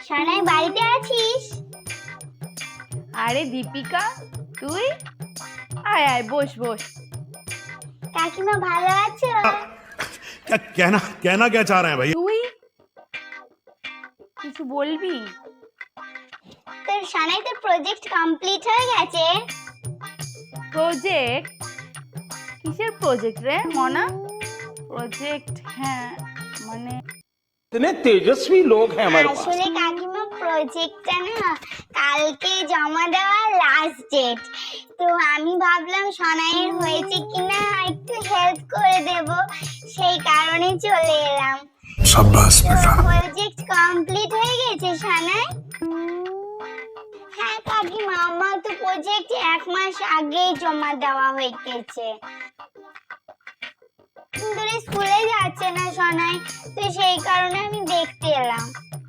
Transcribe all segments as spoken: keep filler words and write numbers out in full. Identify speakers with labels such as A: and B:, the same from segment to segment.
A: সানাই বাড়িতে আছিস?
B: আরে দীপিকা, তুই আয় আয়, বস বস।
A: কাকিমা ভালো আছো?
C: क्या कहना कहना क्या चाह रहे हैं भाई?
B: তুই কিছু বলবি?
A: তোর সানাই তোর প্রজেক্ট কমপ্লিট হয়ে গেছে?
B: প্রজেক্ট? কিসের প্রজেক্ট রে মনা? প্রজেক্ট? হ্যাঁ মানে
D: इतने तेजस्वी लोग हैं हमारे पास।
A: আসলে কাকিমা প্রজেক্টটা না কালকে জমা দেওয়ার লাস্ট ডেট, তো আমি ভাবলাম সানাইয়ের হয়েছে কিনা একটু হেল্প করে দেব, সেই কারণে চলে এলাম।
C: शाबाश बेटा।
A: প্রজেক্ট কমপ্লিট হয়ে গেছে সানাই? হ্যাঁ কাকিমা, আমার তো প্রজেক্ট এক মাস আগেই জমা দেওয়া হয়ে গেছে। কিন্তু স্কুলে যাচ্ছে না সোনাই, তো সেই কারণে আমি দেখতে এলাম।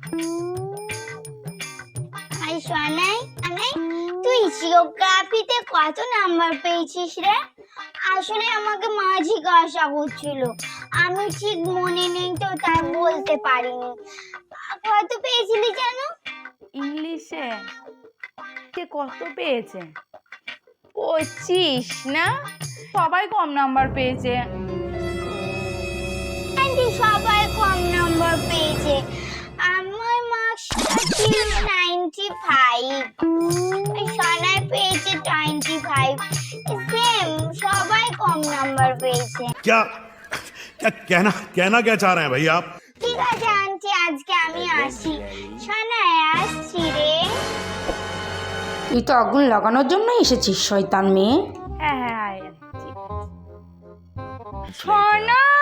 A: আর সোনাই, আমি তুই জিওগ্রাফিতে কত নাম্বার পেয়েছিস রে? আসলে আমাকে মা জিজ্ঞাসা করছিল, আমি ঠিক মনে নেই তো তাই বলতে পারিনি। কত পেয়েছিলি জানো?
B: ইংলিশে কে কত পেয়েছে? পঁচিশ না? সবাই কম নাম্বার পেয়েছে।
A: আন্টি সবাই কম নাম্বার পেয়েছে, আমার মার্কসটা ছিল নাইনটি ফাইভ, সোনাই পেয়েছে টোয়েন্টি ফাইভ, সেম সবাই কম নাম্বার পেয়েছে।
C: क्या क्या कहना कहना क्या चाह रहे हैं भाई आप?
A: ঠিক আছে আন্টি, আজকে আমি আসি। সোনাই আসছি রে।
E: তুই তো আগুন লাগানোর জন্য এসেছিস শয়তান মেয়ে।
B: হ্যাঁ হ্যাঁ আয়, ঠিক আছে। সোনা